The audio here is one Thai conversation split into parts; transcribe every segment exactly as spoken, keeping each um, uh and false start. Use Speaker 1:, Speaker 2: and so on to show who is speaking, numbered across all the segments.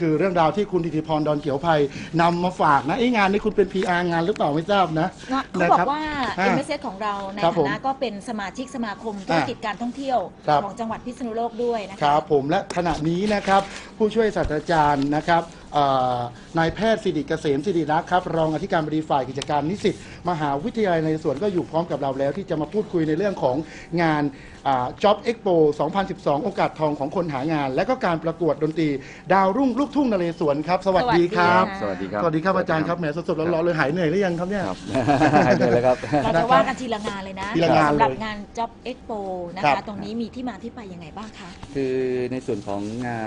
Speaker 1: คือเรื่องราวที่คุณธิติพรดอนเขียวไพนำมาฝากนะไอ้งานนี้คุณเป็น พี อาร์ งานหรือเปล่าไม่ทราบนะ
Speaker 2: เขาบอกว่า เอ็ม เอส เอส ของเราในฐานะก็เป็นสมาชิกสมาคมธุรกิจการท่องเที่ยวของจังหวัดพิษณุโลกด้วยนะคะ
Speaker 1: ครับผมและขณะนี้นะครับผู้ช่วยศาสตราจารย์นะครับนายแพทย์สิริเกษมสิริรักษ์ครับรองอธิการบดีฝ่ายกิจการนิสิตมหาวิทยาลัยนเรศวรก็อยู่พร้อมกับเราแล้วที่จะมาพูดคุยในเรื่องของงาน Job Expo สองพันสิบสอง โอกาสทองของคนหางานและก็การประกวดดนตรีดาวรุ่งลูกทุ่งนเรศวรครับสวัสดีครับ
Speaker 3: สวัสดีครับ
Speaker 1: สวัสดีครับอาจารย์ครับแหมสดๆร้อนๆเลยหายเหนื่อยหรือยังครับเนี่ย
Speaker 3: หายเหนื่อยแล้วครับ
Speaker 2: เราจะว่ากันทีละงานเลยนะสำหรับงาน Job Expo นะคะตรงนี้มีที่มาที่ไปยังไงบ้างคะ
Speaker 3: คือในส่วนของงาน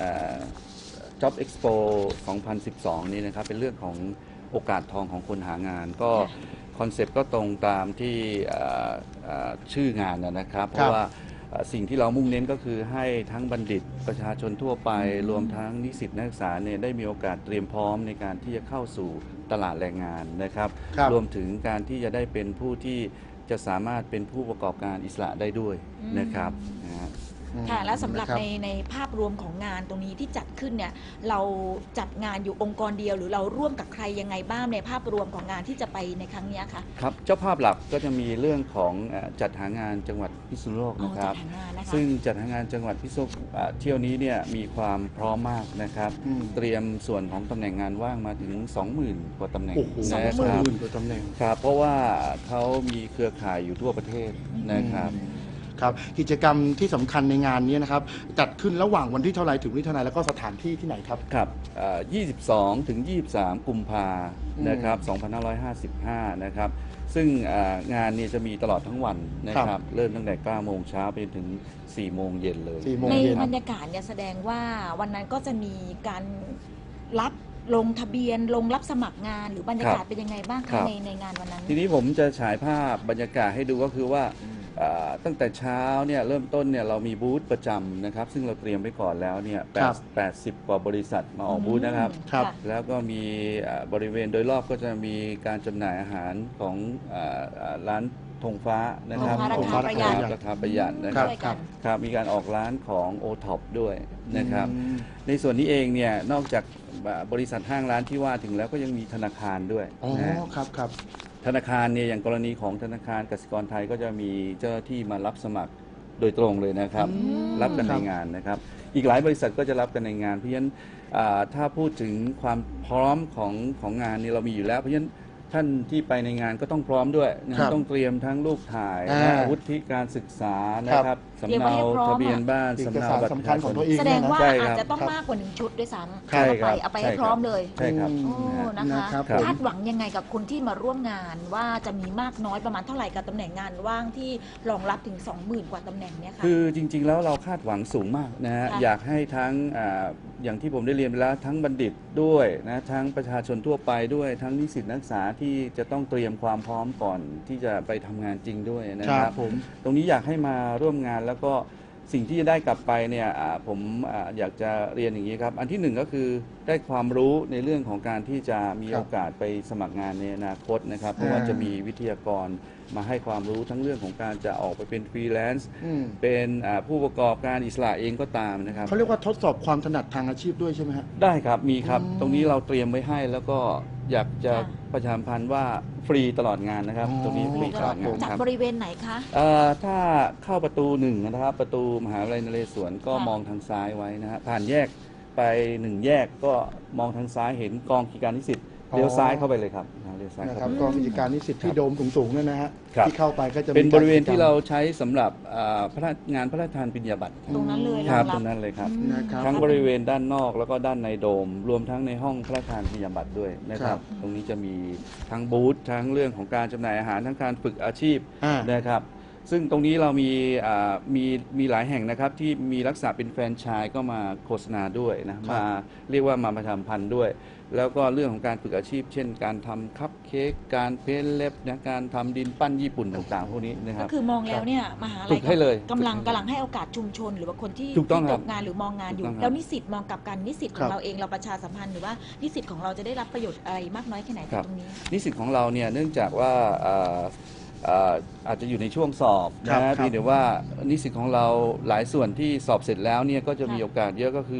Speaker 3: Job Expo สองพันสิบสอง นี้นะครับเป็นเรื่องของโอกาสทองของคนหางานก็คอนเซปต์ก็ตรงตามที่ชื่องานนะครับเพราะว่าสิ่งที่เรามุ่งเน้นก็คือให้ทั้งบัณฑิตประชาชนทั่วไปรวมทั้งนิสิตนักศึกษาเนี่ยได้มีโอกาสเตรียมพร้อมในการที่จะเข้าสู่ตลาดแรงงานนะครับรวมถึงการที่จะได้เป็นผู้ที่จะสามารถเป็นผู้ประกอบการอิสระได้ด้วยนะครับ
Speaker 2: ค่ะและสำหรับในในภาพรวมของงานตรงนี้ที่จัดขึ้นเนี่ยเราจัดงานอยู่องค์กรเดียวหรือเราร่วมกับใครยังไงบ้างในภาพรวมของงานที่จะไปในครั้งนี้คะ
Speaker 3: ครับเจ้าภาพหลักก็จะมีเรื่องของจัดหางานจังหวัดพิษณุโลกนะครับซึ่งจัดหางานจังหวัดพิษณุโลกเที่ยวนี้เนี่ยมีความพร้อมมากนะครับเตรียมส่วนของตำแหน่งงานว่างมาถึง สองหมื่น กว่าตำแหน่ง
Speaker 1: นะครับ
Speaker 3: ครับเพราะว่าเขามีเครือข่ายอยู่ทั่วประเทศนะครับ
Speaker 1: ครับกิจกรรมที่สำคัญในงานนี้นะครับจัดขึ้นระหว่างวันที่เท่าไรถึงวันที่เท่าไรแล้วก็สถานที่ที่ไหนครับ
Speaker 3: ครับยี่สิบสองถึงยี่สิบสามกุมภานะครับสองพันห้าร้อยห้าสิบห้านะครับซึ่งงานนี้จะมีตลอดทั้งวันนะครับเริ่มตั้งแต่เก้าโมงเช้าไปถึงสี่โมงเย็นเลย
Speaker 2: ในบรรยากาศเนี่ยแสดงว่าวันนั้นก็จะมีการรับลงทะเบียนลงรับสมัครงานหรือบรรยากาศเป็นยังไงบ้างคะในในงานวันนั้น
Speaker 3: ทีนี้ผมจะฉายภาพบรรยากาศให้ดูก็คือว่าตั้งแต่เช้าเนี่ยเริ่มต้นเนี่ยเรามีบูธประจำนะครับซึ่งเราเตรียมไว้ก่อนแล้วเนี่ยแปดสิบกว่าบริษัทมาออกบูธนะครับแล้วก็มีบริเวณโดยรอบก็จะมีการจำหน่ายอาหารของร้านธงฟ้านะครับ
Speaker 2: ธงฟ้าราคาประหยัด
Speaker 3: ราคาประหยัดนะครับครับมีการออกร้านของโอท็อปด้วยนะครับในส่วนนี้เองเนี่ยนอกจากบริษัทห้างร้านที่ว่าถึงแล้วก็ยังมีธนาคารด้วย
Speaker 1: อ๋อครับครับ
Speaker 3: ธนาคารเนี่ยอย่างกรณีของธนาคารกสิกรไทยก็จะมีเจ้าหน้าที่มารับสมัครโดยตรงเลยนะครับรับกันในงานนะครับอีกหลายบริษัทก็จะรับกันในงานเพราะฉะนั้นถ้าพูดถึงความพร้อมของของงานนี้เรามีอยู่แล้วเพราะฉะนั้นท่านที่ไปในงานก็ต้องพร้อมด้วยนะต้องเตรียมทั้งรูปถ่ายวุฒิการศึกษานะครับสำเนาทะเบียนบ้าน
Speaker 1: สำเนาบัตรประชาชน
Speaker 2: แสดงว่าอาจจะต้องมากกว่าหนึ่งชุดด้วยซ้ำเอาไปเอาไปให้พร้อมเลย
Speaker 3: ใช่ครับ
Speaker 2: โอ้นะคะคาดหวังยังไงกับคนที่มาร่วมงานว่าจะมีมากน้อยประมาณเท่าไหร่กับตำแหน่งงานว่างที่รองรับถึง สองหมื่น กว่าตำแหน่งเนี่ยค่ะ
Speaker 3: คือจริงๆแล้วเราคาดหวังสูงมากนะฮะอยากให้ทั้งอย่างที่ผมได้เรียนไปแล้วทั้งบัณฑิตด้วยนะทั้งประชาชนทั่วไปด้วยทั้งนิสิตนักศึกษาที่จะต้องเตรียมความพร้อมก่อนที่จะไปทำงานจริงด้วยนะครับตรงนี้อยากให้มาร่วมงานแล้วก็สิ่งที่จะได้กลับไปเนี่ยผมอยากจะเรียนอย่างนี้ครับอันที่หนึ่งก็คือได้ความรู้ในเรื่องของการที่จะมีโอกาสไปสมัครงานในอนาคตนะครับเพราะว่าจะมีวิทยากรมาให้ความรู้ทั้งเรื่องของการจะออกไปเป็นฟรีแลนซ์เป็นผู้ประกอบการอิสระเองก็ตามนะครับ
Speaker 1: เขาเรียกว่าทดสอบความถนัดทางอาชีพด้วยใช่ไหมครับ
Speaker 3: ได้ครับมีครับตรงนี้เราเตรียมไว้ให้แล้วก็อยากจะประชาสัมพันธ์ว่าฟรีตลอดงานนะครับตรงนี้ฟรีตลอดงาน
Speaker 2: จากบริเวณไหนคะ
Speaker 3: ถ้าเข้าประตูหนึ่งนะครับประตูมหาวิทยาลัยนเรศวรก็มองทางซ้ายไว้นะฮะผ่านแยกไปหนึ่งแยกก็มองทางซ้ายเห็นกองกิจการนิสิตเลี้ยวซ้ายเข้าไปเลยครับเลี้ยวซ้าย
Speaker 1: ครับกองกิจการนิสิตที่โดมสูงๆนั่นนะฮะที่เข้าไปก็จะ
Speaker 3: เป็นบริเวณที่เราใช้สำหรับพระงานพระราชทานปริญญาบัตร
Speaker 2: ตรงนั้นเลย
Speaker 3: ครับตรงนั้นเลยครับทั้งบริเวณด้านนอกแล้วก็ด้านในโดมรวมทั้งในห้องพระราชทานปริญญาบัตรด้วยนะครับตรงนี้จะมีทั้งบูธทั้งเรื่องของการจำหน่ายอาหารทั้งการฝึกอาชีพนะครับซึ่งตรงนี้เรามีมีมีหลายแห่งนะครับที่มีลักษณะเป็นแฟรนไชส์ก็มาโฆษณาด้วยนะมาเรียกว่ามาประชาสัมพันธ์ด้วยแล้วก็เรื่องของการฝึกอาชีพเช่นการทำคัพเค้กการเพ้นเล็บนะการทำดินปั้นญี่ปุ่นต่างๆพวกนี้นะครับ
Speaker 2: ก็คือมองแล้วเนี่ยมหาลัยกำลังกำลังให้โอกาสชุมชนหรือว่าคนที่ตกงานหรือมองงานอยู่แล้วนิสิตมองกับการนิสิตของเราเองเราประชาสัมพันธ์หรือว่านิสิตของเราจะได้รับประโยชน์อะไรมากน้อยแค่ไหนตรงนี้
Speaker 3: นิสิตของเราเนี่ยเนื่องจากว่าอาจจะอยู่ในช่วงสอบนะเพียงแต่ว่านิสิตของเราหลายส่วนที่สอบเสร็จแล้วเนี่ยก็จะมีโอกาสเยอะก็คือ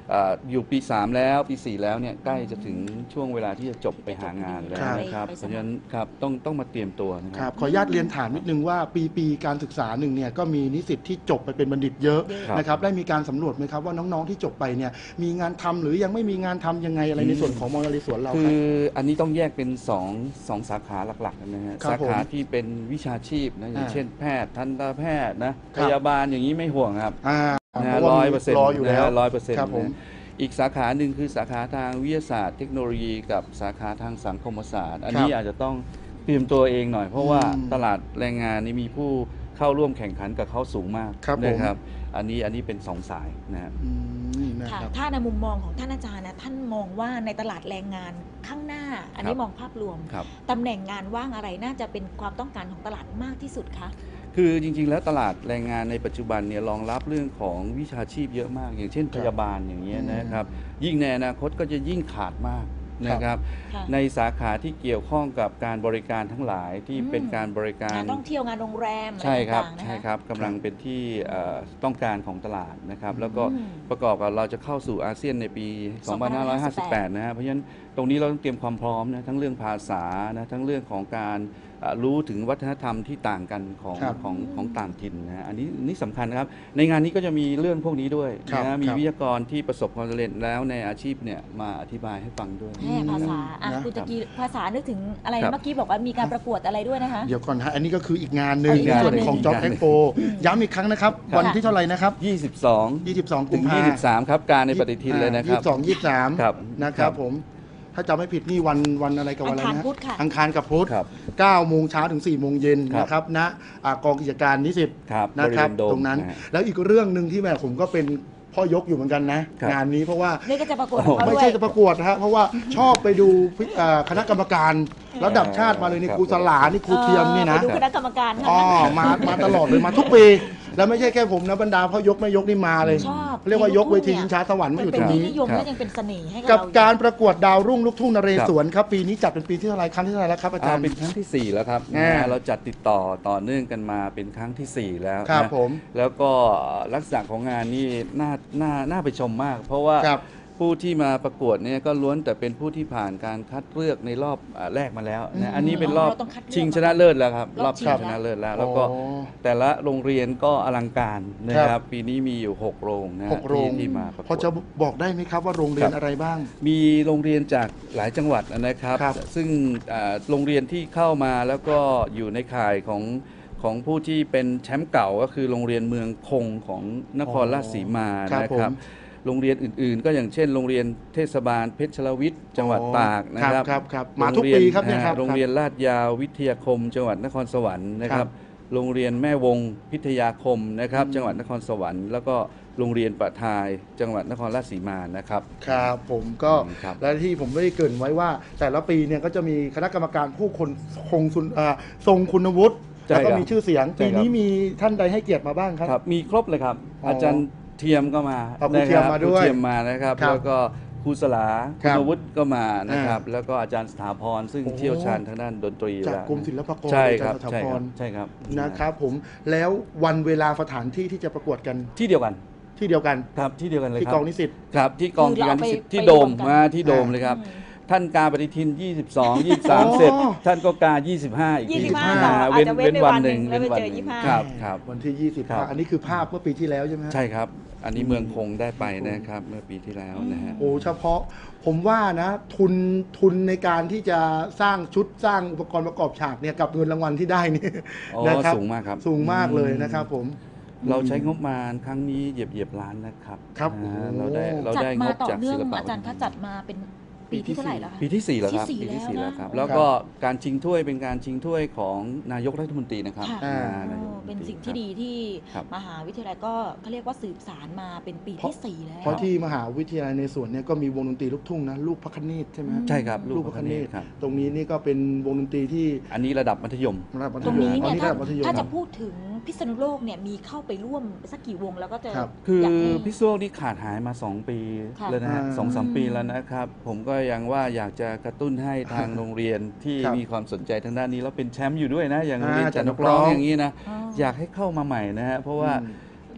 Speaker 3: เอ่ออยู่ปีสามแล้วปีสี่แล้วเนี่ยใกล้จะถึงช่วงเวลาที่จะจบไปหางานแล้วนะครับ
Speaker 2: ไปไปสมัคร
Speaker 3: เพราะฉะนั้นครับต้องต้องมาเตรียมตัวนะค
Speaker 1: ค
Speaker 3: รั
Speaker 1: รับ บขออนุญาตเรียนถามนิดนึงว่าปีปีการศึกษาหนึ่งเนี่ยก็มีนิสิตที่จบไปเป็นบัณฑิตเยอะ
Speaker 3: ครับ
Speaker 1: นะครับได้มีการสำรวจไหมครับว่าน้องๆที่จบไปเนี่ยมีงานทำหรือยังไม่มีงานทำยังไงอะไรในส่วนของมอญสวนเรา
Speaker 3: คื
Speaker 1: ครับ
Speaker 3: ออันนี้ต้องแยกเป็นสองสองสาขาหลักๆนะฮะ
Speaker 1: ครับ
Speaker 3: สาขา
Speaker 1: ผม
Speaker 3: ที่เป็นวิชาชีพนะอย่าง
Speaker 1: อ่า
Speaker 3: เช่นแพทย์ทันตแพทย์นะ
Speaker 1: ค
Speaker 3: พ
Speaker 1: รับ
Speaker 3: ยาบาลอย่างนี้ไม่ห่วงครับ
Speaker 1: อ่า
Speaker 3: นะ
Speaker 1: เพราะว่า
Speaker 3: ร้อย
Speaker 1: มี
Speaker 3: เปอร์เซ็นต์
Speaker 1: รออยู่แล้ว
Speaker 3: ร้อยเปอร์เซ็นต์
Speaker 1: ครับผม
Speaker 3: อีกสาขาหนึ่งคือสาขาทางวิทยาศาสตร์เทคโนโลยีกับสาขาทางสังคมศาสตร์ อันนี้อาจจะต้องเตรียมตัวเองหน่อย เพราะว่า
Speaker 1: อืม
Speaker 3: ตลาดแรงงานนี่มีผู้เข้าร่วมแข่งขันกับเขาสูงมาก
Speaker 1: ครับผม
Speaker 3: นะครับ อันนี้อันนี้เป็นสองสายนะครับ
Speaker 1: อืมนะ
Speaker 2: ค่ะ
Speaker 1: ครับ
Speaker 2: ถ้าในมุมมองของท่านอาจารย์นะท่านมองว่าในตลาดแรงงานข้างหน้า อันนี้
Speaker 3: ครับ
Speaker 2: มองภาพรวม
Speaker 3: ครับ
Speaker 2: ตำแหน่งงานว่างอะไรน่าจะเป็นความต้องการของตลาดมากที่สุดคะ
Speaker 3: คือจริงๆ แล้วตลาดแรงงานในปัจจุบันเนี่ยรองรับเรื่องของวิชาชีพเยอะมาก อย่างเช่นพยาบาลอย่างเงี้ยนะครับ ยิ่งในอนาคตก็จะยิ่งขาดมากนะครับ
Speaker 2: ค่ะ
Speaker 3: ในสาขาที่เกี่ยวข้องกับการบริการทั้งหลายที่
Speaker 2: อืม
Speaker 3: เป็นการบริการ
Speaker 2: งานท่องเที่ยวงานโรงแรมอะ
Speaker 3: ใช่
Speaker 2: ไร
Speaker 3: ครับ
Speaker 2: ต่างๆนะ
Speaker 3: ใช่
Speaker 2: คะ
Speaker 3: ครับกำลังเป็นที่เอ่อต้องการของตลาดนะครับ แล้วก็
Speaker 2: อืม
Speaker 3: ประกอบกับเราจะเข้าสู่อาเซียนในปี สองพันห้าร้อยห้าสิบแปด นะฮะเพราะฉะนั้นตรงนี้เราต้องเตรียมความพร้อมนะทั้งเรื่องภาษานะทั้งเรื่องของการเอ่อรู้ถึงวัฒนธรรมที่ต่างกันของ
Speaker 1: ครับ
Speaker 3: ของของต่างถิ่นนะฮะอันนี้นี่สำคัญนะครับ ในงานนี้ก็จะมีเรื่องพวกนี้ด้วย
Speaker 1: ครับ
Speaker 3: นะมี
Speaker 1: ครับ
Speaker 3: วิทยากรที่ประสบความสำเร็จแล้วในอาชีพเนี่ยมาอธิบายให้ฟังด้วย
Speaker 2: แม่ภาษาอ่ะ
Speaker 1: นะ
Speaker 2: คุณตะกี้ภาษานึกถึงอะไร
Speaker 3: ครับ
Speaker 2: เมื่อกี้บอกว่ามีการประกวดอะไรด้วยนะคะ
Speaker 1: เดี๋ยวก่อนฮะอันนี้ก็คืออีกงานหนึ่ง
Speaker 2: อ๋ออีก
Speaker 1: ใน
Speaker 2: งาน
Speaker 1: ส่วน
Speaker 2: หนึ่ง
Speaker 1: ของจ็อบ
Speaker 3: อีก
Speaker 1: เอ็
Speaker 3: งาน
Speaker 1: กโปย้ำอีกครั้งนะครับ
Speaker 3: ครับ
Speaker 1: วันที่เท่าไหร่นะครับ
Speaker 3: ยี่สิบสอง
Speaker 1: ยี่สิบสองกุ
Speaker 3: ถึ
Speaker 1: ม
Speaker 3: ง
Speaker 1: ภา
Speaker 3: ยี่สิบสามครับการในปฏิทินเลยนะครับ
Speaker 1: ยี่สิบสอง ยี่สิบสาม
Speaker 3: ครับ
Speaker 1: นะครับ
Speaker 3: ครับ
Speaker 1: ผมถ้าจำไม่ผิดนี่วันวันอะไรกับวันอะไร
Speaker 2: อังคาร
Speaker 1: นะ
Speaker 2: พุธค่ะ
Speaker 1: อังคารกับพุธ
Speaker 3: ครับ
Speaker 1: เก้าโมงเช้าถึงสี่โมงเย็น
Speaker 3: ครับ
Speaker 1: นะครับณอ่ากองกิจการนิสิต
Speaker 3: ครับ
Speaker 1: นะครับ
Speaker 3: บริเวณโดม
Speaker 1: ตรงนั้น
Speaker 3: นะฮะ
Speaker 1: แล้วอีกเรื่องหนึ่งที่แม่ผมก็เป็นพ่อยกอยู่เหมือนกันนะ
Speaker 3: ครับ
Speaker 1: งานนี้เพราะว่า
Speaker 2: นี่ก็จะประกวดของเขา
Speaker 1: ไม่
Speaker 2: ด้วย
Speaker 1: ใช่จะประกวดนะฮะเพราะว่าชอบไปดูพิอ่าคณะกรรมการระดับชาติมาเลยนี่
Speaker 3: ครับ
Speaker 1: ครูสลานี่ครูเทียมนี่นะ
Speaker 2: ไปดูคณะกรรมการค่ะ
Speaker 1: อ๋อมามาตลอดเลยมาทุกปี แล้วไม่ใช่แค่ผมนะบรรดาพ่อยกแม่ยกนี่มาเลย
Speaker 2: ชอบ
Speaker 1: เรียกว่ายกเวทีชิงช้าสวรรค์มาอยู่ตรงนี้
Speaker 2: มัเป็ที่นิยม
Speaker 3: ครับ
Speaker 2: และยังเป็นเสน่ห์ให้
Speaker 1: กั
Speaker 2: กั
Speaker 1: บบ การประกวดดาวรุ่งลูกทุ่งนเรศวรครับปีนี้จัดเป็นปีที่เท่าไหรครั้งที่เท่าไหรแล้วครับอาจารย์
Speaker 3: เป็นครั้งที่สี่แล้วครับ
Speaker 1: อ่า
Speaker 3: นะฮะเราจัดติดต่อต่อเนื่องกันมาเป็นครั้งที่สี่แล้ว
Speaker 1: ครับ
Speaker 3: นะ
Speaker 1: ผม
Speaker 3: แล้วก็ลักษณะของงานนี่น่าน่าน่าไปชมมาก เพราะว่า
Speaker 1: ครับ
Speaker 3: ผู้ที่มาประกวดเนี่ยก็ล้วนแต่เป็นผู้ที่ผ่านการคัดเลือกในรอบอ่าแรกมาแล้ว
Speaker 1: อืม
Speaker 3: นะอันนี้เป็นรอบ
Speaker 2: เราต้องคัดเลือก
Speaker 3: ชิงชนะเลิศแล้วครับ
Speaker 2: ร
Speaker 3: ร
Speaker 2: อ
Speaker 3: อ
Speaker 2: บบ ชิ
Speaker 3: ชิ
Speaker 2: ง
Speaker 3: งชนะเลิศแล้ว แล้วก็
Speaker 1: อ๋อ
Speaker 3: แต่ละโรงเรียนก็อลังการนะค
Speaker 1: ครั
Speaker 3: รับบ ปีนี้มีอยู่หกโรงนะฮะ
Speaker 1: หกโรง
Speaker 3: ที่ที่มาประก
Speaker 1: พอ
Speaker 3: วด
Speaker 1: จะบอกได้ไหมครับว่าโรงเรียนอะไรบ้าง
Speaker 3: มีโรงเรียนจากหลายจังหวัดนะครับ
Speaker 1: ครับ
Speaker 3: ซึ่งอ่าโรงเรียนที่เข้ามาแล้วก็อยู่ในข่ายของของผู้ที่เป็นแชมป์เก่าก็คือโรงเรียนเมืองคงของนครราชสีมา
Speaker 1: ครับ
Speaker 3: นะ
Speaker 1: ผ
Speaker 3: ครับ
Speaker 1: ม
Speaker 3: โรงเรียนอื่นๆ ก็อย่างเช่น โรงเรียนเทศบาลเพชรวิทย์จังหวัด
Speaker 1: อ๋อ
Speaker 3: ตากนะครับ
Speaker 1: ครับครับมาทุก
Speaker 3: โงเยน
Speaker 1: ปีครับเนี่ยครับ
Speaker 3: อ่าโรงเรียนลาดยาววิทยาคม จังหวัดนครสวรรค์นะค
Speaker 1: ครั
Speaker 3: รับ บ โรงเรียนแม่วงพิทยาคมนะครับ
Speaker 1: อืม
Speaker 3: จังหวัดนครสวรรค์แล้วก็โรงเรียนประทาย จังหวัดนครราชสีมานะครับ
Speaker 1: ครับผมก็
Speaker 3: ครับ
Speaker 1: และที่ผมได้เกรินไว้ว่า แต่ละปีเนี่ยก็จะมีคณะกรรมการผู้คนคงสุนอ่าทรงคุณวุฒิ
Speaker 3: ใช่
Speaker 1: แล้วก็
Speaker 3: ครับ
Speaker 1: มีชื่อเสียง
Speaker 3: ใช่
Speaker 1: ปี
Speaker 3: ครับ
Speaker 1: นี้มีท่านใดให้เกียรติมาบ้างครับ
Speaker 3: ครับมีครบเลยครับ
Speaker 1: อ๋ออ
Speaker 3: อาจารย์เทียมก็มา
Speaker 1: อ๋อครูเทียม
Speaker 3: นะค
Speaker 1: มา
Speaker 3: รับ
Speaker 1: ด้วย
Speaker 3: ครูเทียมมานะครับ
Speaker 1: ครับ
Speaker 3: แล้วก็ครูสลา
Speaker 1: ครั
Speaker 3: คุ
Speaker 1: บ
Speaker 3: ณวุฒิก็มานะครับ
Speaker 1: อ่า
Speaker 3: แล้วก็อาจารย์สถาพรซึ่ง
Speaker 1: โอ้
Speaker 3: เชี่ยวชาญทางด้านดนตรี
Speaker 1: จาก
Speaker 3: แล้ว
Speaker 1: กรมศิลปากร
Speaker 3: ใช่
Speaker 1: อา
Speaker 3: ค
Speaker 1: จา
Speaker 3: รั
Speaker 1: ร
Speaker 3: บ
Speaker 1: ย์สถา
Speaker 3: ใช่
Speaker 1: พ
Speaker 3: ครั
Speaker 1: ร
Speaker 3: บใช่ครับ
Speaker 1: นะครับผมแล้ววันเวลาสถานที่ที่จะประกวดกัน
Speaker 3: ที่เดียวกัน
Speaker 1: ที่เดียวกัน
Speaker 3: ครับที่เดียวกันเลย
Speaker 1: ที่
Speaker 3: ครั
Speaker 1: ก
Speaker 3: บ
Speaker 1: องนิสิต
Speaker 3: ครับที่กอง
Speaker 2: คือ
Speaker 3: กิจการ
Speaker 2: เรา
Speaker 3: นิ
Speaker 2: ไป
Speaker 3: สิตที่
Speaker 2: ไป
Speaker 3: โดม
Speaker 2: รวมกัน
Speaker 3: มาที่โดมเลยครับ ท่านกาปฏิทิน ยี่สิบสอง ยี่สิบสาม
Speaker 1: อ๋อ
Speaker 3: เสร็จ ท่านก็กา ยี่สิบห้า อีก
Speaker 2: ยี่สิบห้า
Speaker 3: อ่
Speaker 2: เราอาจจะเว้นไปวันหนึ่งแล้วไป
Speaker 3: ว้
Speaker 2: เจอ
Speaker 3: หนึ่ง
Speaker 2: ยี่สิบห้า
Speaker 3: ครับครับ
Speaker 1: วันที่ยี่สิบ
Speaker 3: ครับ
Speaker 1: อันนี้คือภาพเมื่อปีที่แล้วใช่ไหมฮะ
Speaker 3: ใช่ครับ อันนี้เมืองคงได้ไปนะครับ เมื่อปีที่แล้วนะฮะ
Speaker 1: โอ้เฉพาะผมว่านะทุนทุนในการที่จะสร้างชุดสร้างอุปกรณ์ประกอบฉากเนี่ยกับเงินรางวัลที่ได้นี่
Speaker 3: อ๋อ
Speaker 1: นะครับ
Speaker 3: สูงมากครับ
Speaker 1: สูงมากเลยนะครับผม
Speaker 3: เราใช้งบประมาณครั้งนี้เหยียบเหยียบล้านนะครับ
Speaker 1: ครับ
Speaker 3: นะฮะ
Speaker 1: โอ้
Speaker 3: เราได้เรา
Speaker 2: จัด
Speaker 3: ได้ง
Speaker 2: มา
Speaker 3: บ
Speaker 2: ต่อ
Speaker 3: จาก
Speaker 2: เนื่
Speaker 3: ศิ
Speaker 2: อง
Speaker 3: ลปะ
Speaker 2: อาจารย์คะจัดมาเป็นปีที่เท่าไหร่แล้วคะ
Speaker 3: ปีที่สี่แล้วครับ
Speaker 2: ที่สี่
Speaker 3: ปีที่สี่
Speaker 2: แล้
Speaker 3: แล้ว ว
Speaker 2: นะครับ
Speaker 3: แล้วก็การชิงถ้วยเป็นการชิงถ้วยของนายกรัฐมนตรีนะครับ
Speaker 2: ค่ะ
Speaker 1: อ่า
Speaker 3: อ่านายก
Speaker 2: โอ้
Speaker 3: รัฐมนตรี
Speaker 2: เป็นสิ่งที่ดีที่
Speaker 3: ครับ
Speaker 2: มหาวิทยาลัยก็เขาเรียกว่าสืบสารมาเป็นปีที่สี่แล้ว
Speaker 1: เพราะที่มหาวิทยาลัยในสวนเนี่ยก็มีวงดนตรีลูกทุ่งนะลูกพระคเนศใช่ไหมฮะ
Speaker 3: ใช่ครับ
Speaker 1: ลูกพระคเนศ
Speaker 3: ครับ
Speaker 1: ตรงนี้นี่ก็เป็นวงดนตรีที่
Speaker 3: อันนี้ระดับมัธยม
Speaker 1: ระดับมัธ
Speaker 2: ตรง
Speaker 1: ยม
Speaker 2: นี้
Speaker 1: อั
Speaker 2: เนี่ย
Speaker 1: นี้
Speaker 2: ถ้า
Speaker 1: ระดับมัธยม
Speaker 2: ถ้าจะพูดถึงพิษณุโลกเนี่ยมีเข้าไปร่วมสักกี่วงแล้วก็จะ
Speaker 1: ครับ
Speaker 3: คือ
Speaker 2: อยากให้
Speaker 3: พิซซ่วนี่ขาดหายมา สอง ปี
Speaker 2: ค่ะ
Speaker 3: แล้วนะฮะ
Speaker 1: อ่า
Speaker 3: สองสามปีแล้วนะครับ ผมก็ยังว่าอยากจะกระตุ้นให้ทางโรงเรียนที่
Speaker 1: ครับ
Speaker 3: มีความสนใจทางด้านนี้แล้วเป็นแชมป์อยู่ด้วยนะ อย่างโรง
Speaker 1: อ่า
Speaker 3: เรียนจันท
Speaker 1: จันท
Speaker 3: ก
Speaker 1: กร้
Speaker 3: ร้
Speaker 1: อ
Speaker 3: อง งอย่างนี้นะ
Speaker 2: อ๋อ
Speaker 3: อยากให้เข้ามาใหม่นะฮะเพราะว่า
Speaker 1: อืม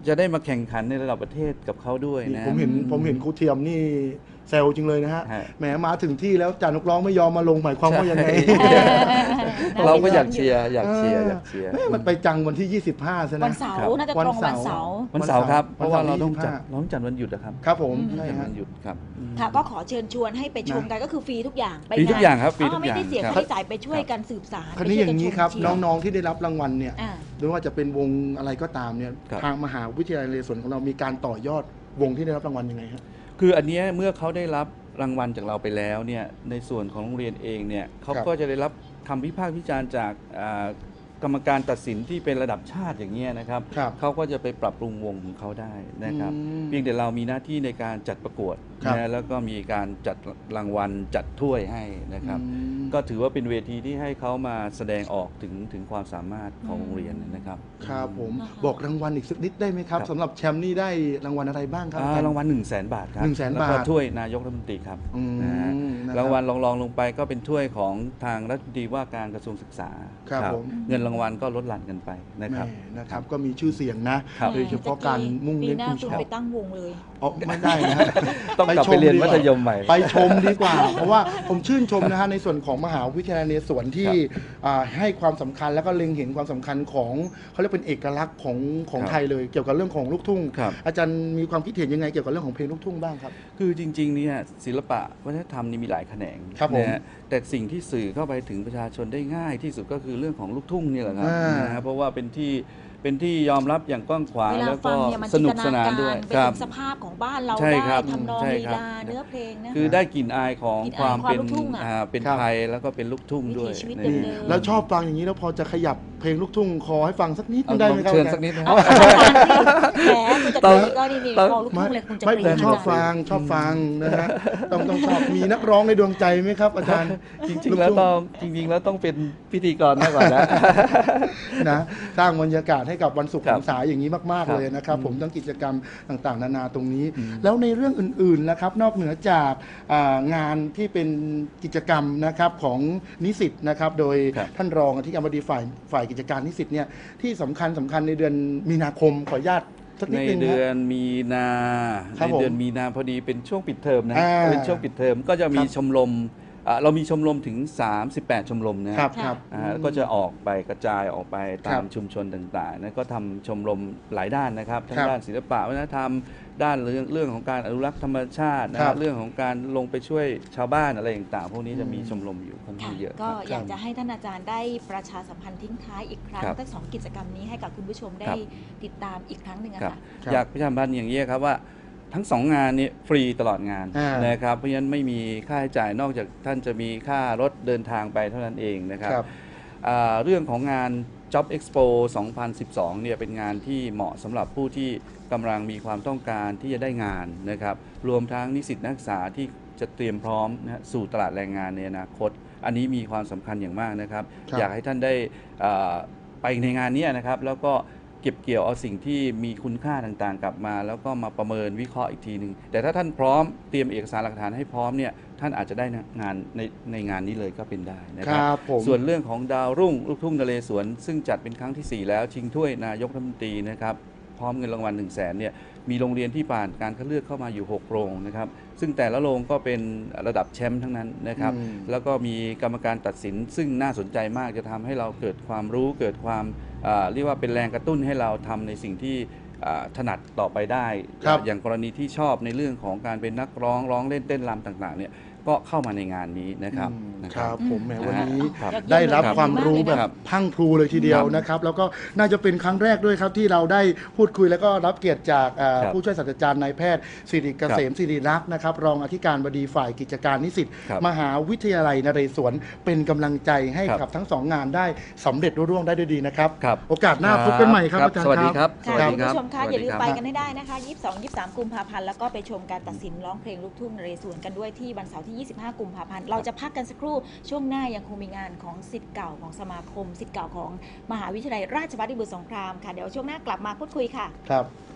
Speaker 3: จะได้มาแข่งขันในระดับประเทศกับเขาด้วย
Speaker 1: นี่
Speaker 3: นะ
Speaker 1: ผมเห็นผมเห็นครูเทียมนี่แซวจริงเลยนะฮะ
Speaker 3: ฮะ
Speaker 1: แหมมาถึงที่แล้วจ่านักร้องไม่ยอมมาลงหมายความว่ายังไง
Speaker 3: เราก็อยากเชียร์อยากเชียร์อยากเชียร์
Speaker 1: เอ้ยมันไปจังวันที่ ยี่สิบห้าใช่ไหม
Speaker 2: วันเสา
Speaker 3: ครั
Speaker 2: ร์
Speaker 3: บ
Speaker 2: น่าจะตรงวันเสาร์
Speaker 3: วันเสาร์ครับ เพ
Speaker 1: วัน
Speaker 3: ราะ
Speaker 1: เสาร์
Speaker 3: ว่าเราต้องจัด
Speaker 1: ยี่สิบห้า
Speaker 3: เราต้องจัดวันหยุดนะครับ
Speaker 1: ครับผม
Speaker 2: อืม
Speaker 1: ใช่
Speaker 3: จัด
Speaker 1: ฮะ
Speaker 3: วันหยุดครับ
Speaker 2: ค่ะก็ขอเชิญชวนให้ไปชมกันก็คือฟรีทุกอย่างไป
Speaker 3: ฟรีทุกอย่างครับฟรีทุก
Speaker 2: ไม่
Speaker 3: อย่าง
Speaker 2: ได้เสีย
Speaker 3: ครับ
Speaker 2: ค่าใช้จ่ายไปช่วยกันสืบสาร
Speaker 1: คราวนี้อย่างนี้ครับ
Speaker 2: ไปช่วยกัชมเชียร์
Speaker 1: น้องๆที่ได้รับรางวัลเนี่ย
Speaker 2: อ่า
Speaker 1: ไม่ว่าจะเป็นวงอะไรก็ตามเนี่ย
Speaker 3: ครับ
Speaker 1: ทางมหาวิทยาลัยนเรศวรของเรามีการต่อยอดวงที่ได้รับรางวัลยังไงฮะ
Speaker 3: คืออันเนี้ยเมื่อเขาได้รับรางวัลจากเราไปแล้วเนี่ยในส่วนของโรงเรียนเองเนี่ยเขา
Speaker 1: ครับ
Speaker 3: ก็จะได้รับคำวิพากษ์วิจารณ์จากอ่ากรรมการตัดสินที่เป็นระดับชาติอย่างเงี้ยนะครับ
Speaker 1: ครับ
Speaker 3: เขาก็จะไปปรับปรุงวงของเขาได้นะครับ
Speaker 1: อืม
Speaker 3: เพียงแต่เรามีหน้าที่ในการจัดประกวด
Speaker 1: ครับ
Speaker 3: นะแล้วก็มีการจัดรางวัลจัดถ้วยให้นะครับ
Speaker 1: อืม
Speaker 3: ก็ถือว่าเป็นเวทีที่ให้เขามาแสดงออกถึงถึงความสามารถของโรงเรียนนะครับ
Speaker 1: ครับผม
Speaker 2: นะคะ
Speaker 1: บอกรางวัลอีกสักนิดได้ไหมครับ
Speaker 3: ครับ
Speaker 1: สำหรับแชมป์นี่ได้รางวัลอะไรบ้างครับ
Speaker 3: อ่ารางวัลหนึ่งแสนบาทครับ
Speaker 1: หนึ่งแสน
Speaker 3: แล้วก็
Speaker 1: บาท
Speaker 3: ถ้วยนายกรัฐมนตรีครับ
Speaker 1: อืม
Speaker 3: นะฮะ
Speaker 1: นะครับ
Speaker 3: รางวัลรองๆลงไปก็เป็นถ้วยของทางรัฐมนตรีว่าการกระทรวงศึกษา
Speaker 1: ครับผม
Speaker 3: เงินรางวัลก็ลดหลั่นกันไปนะครับ
Speaker 1: แม่นะครับก็มีชื่อเสียงนะครับ โดยเฉพาะการมุ่ง
Speaker 2: ปี
Speaker 1: เน้น
Speaker 2: หน้า
Speaker 1: คุณ
Speaker 2: คุณ
Speaker 1: ชอบ
Speaker 2: ไปตั้งวงเลย
Speaker 1: อ๋อไม่ได้นะฮะ
Speaker 3: ต้องกลับไปเรียนมัธยมใหม่
Speaker 1: ไปชมดีกว่า เพราะว่าผมชื่นชมนะฮะในส่วนของมหาวิทยาลัยนเรศวรที่อ่าให้ความสำคัญแล้วก็เล็งเห็นความสำคัญของเขาเรียกเป็นเอกลักษณ์ของของ
Speaker 3: ครับ
Speaker 1: ไทยเลยเกี่ยวกับเรื่องของลูกทุ่ง
Speaker 3: ครับ
Speaker 1: อาจารย์มีความคิดเห็นยังไงเกี่ยวกับเรื่องของเพลงลูกทุ่งบ้างครับ
Speaker 3: คือจริงๆเนี่ยศิลปะวัฒนธรรมนี่มีหลายแขนง
Speaker 1: ครับผม
Speaker 3: นะฮะแต่สิ่งที่สื่อเข้าไปถึงประชาชนได้ง่ายที่สุดก็คือเรื่องของลูกทุ่งนี่แหละครับ
Speaker 1: อ่าน
Speaker 3: นะฮะเพราะว่าเป็นที่เป็นที่ยอมรับอย่างกว้างขวาง
Speaker 2: เวลา
Speaker 3: แล้ว
Speaker 2: ฟั
Speaker 3: ก็
Speaker 2: งเนี่ยมัน
Speaker 3: ส
Speaker 2: จิน
Speaker 3: นุ
Speaker 2: ต
Speaker 3: ก
Speaker 2: นา
Speaker 3: สนาน
Speaker 2: การ
Speaker 3: ด้วย
Speaker 2: ไป
Speaker 3: ครั
Speaker 2: ถึ
Speaker 3: บ
Speaker 2: งสภาพของบ้านเรา
Speaker 3: ใช่
Speaker 2: ได้
Speaker 3: ครับ
Speaker 2: ทำนอง
Speaker 3: ใช่
Speaker 2: ลี
Speaker 3: ครับ
Speaker 2: ลาเนื้อเพลงนะ
Speaker 3: คือได้กลิ่นอายของ
Speaker 2: กลิ่น
Speaker 3: ค
Speaker 2: อายว
Speaker 3: าม
Speaker 2: ความ
Speaker 3: เป็น
Speaker 2: ลูกทุ่งอะ
Speaker 3: อ่าเป็น
Speaker 1: ครับ
Speaker 3: ไทยแล้วก็เป็นลูกทุ่ง
Speaker 2: วิ
Speaker 3: ด้วย
Speaker 2: ถีชีวิต
Speaker 3: นี่
Speaker 2: เดิม
Speaker 1: แล้วชอบฟังอย่างนี้แล้วพอจะขยับเพลงลูกทุ่งคอให้ฟังสักนิดนึ
Speaker 3: เอา
Speaker 1: งได้
Speaker 3: ล
Speaker 1: ไหม
Speaker 3: อง
Speaker 1: ครับ
Speaker 3: เชิญสักนิดนะ
Speaker 2: เอาอาจารย์สิแหมคุณจะ
Speaker 3: ต้
Speaker 2: ตี
Speaker 3: อง
Speaker 2: ก็นี่นี่
Speaker 3: ต้อง
Speaker 2: พอลูกทุ่งเลยคุณจะ
Speaker 1: ไม่
Speaker 2: ปรี
Speaker 1: แต่
Speaker 2: ด
Speaker 1: ชอบ
Speaker 2: อาจารย์
Speaker 1: ฟังชอบฟังนะฮะต้องต้องชอบมีนักร้องในดวงใจไหมครับ อาจารย์
Speaker 3: จริงๆแล้วต้องจริงๆแล้วต้องเป็นพิธีกรมากกว่านะ
Speaker 1: นะสร้างบรรยากาศให้กับวันศุกร์
Speaker 3: ครั
Speaker 1: หั
Speaker 3: บ
Speaker 1: นษาอย่างนี้มาก
Speaker 3: ครั
Speaker 1: ๆ
Speaker 3: บ
Speaker 1: เลยนะครับ ผม
Speaker 3: อืม
Speaker 1: ทั้งกิจกรรมต่างๆ นานาตรงนี้
Speaker 3: อืม
Speaker 1: แล้วในเรื่องอื่นๆนะครับนอกเหนือจากอ่างานที่เป็นกิจกรรมนะครับของนิสิตนะครับโดย
Speaker 3: ครับ
Speaker 1: ท่านรองอธิการบดีฝ่ายฝ่ายกิจการนิสิตเนี่ยที่สำคัญสำคัญในเดือนมีนาคมขออนุญาตสักนิ
Speaker 3: ใน
Speaker 1: ดนึง
Speaker 3: เดื
Speaker 1: นะ
Speaker 3: อนมีนา
Speaker 1: ครับ
Speaker 3: ในเดือน
Speaker 1: ผม
Speaker 3: มีนาพอดีเป็นช่วงปิดเทอมนะ
Speaker 1: อ่า
Speaker 3: เป็นช่วงปิดเทอมก็จะมี
Speaker 1: ครับ
Speaker 3: ชมรมอ่าเรามีชมรมถึง สามสิบแปด ชมรมนะครับ
Speaker 1: ครับ
Speaker 3: อ่าก็จะออกไปกระจายออกไปตา
Speaker 1: ครั
Speaker 3: ม
Speaker 1: บ
Speaker 3: ชุมชนต่างๆนะก็ทำชมรมหลายด้านนะครับทั้
Speaker 1: ค
Speaker 3: ง
Speaker 1: รับ
Speaker 3: ด้านศิลปะวัฒนธรรม ด้านเรื่องเรื่องของการอนุรักษ์ธรรมชาตินะ
Speaker 1: ค
Speaker 3: ค
Speaker 1: รั
Speaker 3: รั
Speaker 1: บบ
Speaker 3: เรื่องของการลงไปช่วยชาวบ้านอะไรต่างๆพวกนี้จะมี
Speaker 1: อืม
Speaker 3: ชมรมอยู่ค่อนข้า
Speaker 2: ค่ะ
Speaker 3: งเยอะ
Speaker 2: ก็
Speaker 3: ครับ
Speaker 2: อยากจะให้ท่านอาจารย์ได้ประชาสัมพันธ์ทิ้งท้ายอีกครั้ง
Speaker 3: ครับ
Speaker 2: ทั้งสองกิจกรรมนี้ให้กับคุณผู้ชมได้
Speaker 3: ครับ
Speaker 2: ติดตามอีกครั้งหนึ่งอะ
Speaker 3: ครับ
Speaker 2: ค่ะ
Speaker 1: ครับ
Speaker 3: อยากประชาสัมพันธ์อย่างนี้ยครับว่าทั้งสองงานนี้ฟรีตลอดงาน
Speaker 1: อ่าน
Speaker 3: นะครับเพราะฉะนั้นไม่มีค่าใช้จ่ายนอกจากท่านจะมีค่ารถเดินทางไปเท่านั้นเองนะครับ
Speaker 1: ครับ
Speaker 3: อ่าเรื่องของงาน Job Expo สองพันสิบสองเนี่ยเป็นงานที่เหมาะสำหรับผู้ที่กำลังมีความต้องการที่จะได้งานนะครับรวมทั้งนิสิตนักศึกษาที่จะเตรียมพร้อมนะสู่ตลาดแรงงานในอนาคต อันนี้มีความสำคัญอย่างมากนะครับ
Speaker 1: ครับ
Speaker 3: อยากให้ท่านได้อ่าไปในงานเนี้นะครับแล้วก็เก็บเกี่ยวเอาสิ่งที่มีคุณค่าต่างๆ กลับมา แล้วก็มาประเมินวิเคราะห์อีกทีหนึ่งแต่ถ้าท่านพร้อมเตรียมเอกสารหลักฐานให้พร้อมเนี่ยท่านอาจจะได้งานในในงานนี้เลยก็เป็นได้นะค
Speaker 1: ครับ รับผม
Speaker 3: ส่วนเรื่องของดาวรุ่งลูกทุ่งนเรศวรซึ่งจัดเป็นครั้งที่ สี่ แล้วชิงถ้วยนายกรัฐมนตรีนะครับพร้อมเงินรางวัลหนึ่งแสนเนี่ยมีโรงเรียนที่ผ่านการคัดเลือกเข้ามาอยู่หกโรงนะครับซึ่งแต่ละโรงก็เป็นระดับแชมป์ทั้งนั้นนะครับ
Speaker 1: อืม
Speaker 3: แล้วก็มีกรรมการตัดสินซึ่งน่าสนใจมากจะทำให้เราเกิดความรู้เกิดความอ่าเรียกว่าเป็นแรงกระตุ้นให้เราทำในสิ่งที่อ่าถนัดต่อไปได้
Speaker 1: ครับ
Speaker 3: อย่างกรณีที่ชอบในเรื่องของการเป็นนักร้องร้องเล่นเต้นรำต่างๆเนี่ยก็เข้ามาในงานนี้นะครับ
Speaker 1: อืม
Speaker 3: นะ
Speaker 1: ค
Speaker 3: ครั
Speaker 1: รับ บผมแหมวันนี้
Speaker 3: ครับ
Speaker 2: ยอดเยี่ยม
Speaker 1: ได้รับ
Speaker 2: เลย
Speaker 1: ความรู้
Speaker 2: ดี
Speaker 1: แบ
Speaker 2: มากเลย
Speaker 1: บ
Speaker 2: นะ
Speaker 1: พรังพรูเลยทีเดียว
Speaker 3: ครับ
Speaker 1: นะครับ แล้วก็น่าจะเป็นครั้งแรกด้วยครับที่เราได้พูดคุยแล้วก็รับเกียรติจากเอ่อ
Speaker 3: ครับ
Speaker 1: ผู้ช่วยศาสตราจารย์นายแพทย์สิริเกษมสิริรักษ์นะครับรองอธิการบดีฝ่ายกิจการนิสิต
Speaker 3: ครับ
Speaker 1: มหาวิทยาลัยนเรศวรเป็นกำลังใจให้
Speaker 3: ครับ
Speaker 1: กับทั้งสองงานได้สำเร็จรุ่ร่วงได้ด้วยดีนะครับ
Speaker 3: ครับ
Speaker 1: โอกาสหน้าพบกันใหม่ครับอาจารย์
Speaker 3: สวัสดีครับ
Speaker 2: ค่ะ
Speaker 3: สวัส
Speaker 2: คุ
Speaker 3: ดี
Speaker 2: ณ
Speaker 3: ครับ
Speaker 2: ผู้ชมคะ
Speaker 3: สวัส
Speaker 2: อย่า
Speaker 3: ดี
Speaker 2: ลืม
Speaker 3: ครับ
Speaker 2: ไปกันให้ได้นะคะ ยี่สิบสอง ยี่สิบสาม กุมภาพันธ์แล้วก็ไปชมการตัดสินร้องเพลงลูกทุ่งนเรศวรกันด้วยที่วันเสาร์ที่ ยี่สิบห้า กุมภาพันธ์เราจะพักกันสักครู่ช่วงหน้ายังคงมีงานของศิษย์เก่าของสมาคมศิษย์เก่าของมหาวิทยาลัยราชภัฏพิบูลสงครามค่ะเดี๋ยวช่วงหน้ากลับมาพูดคุยค่ะ
Speaker 1: ครับ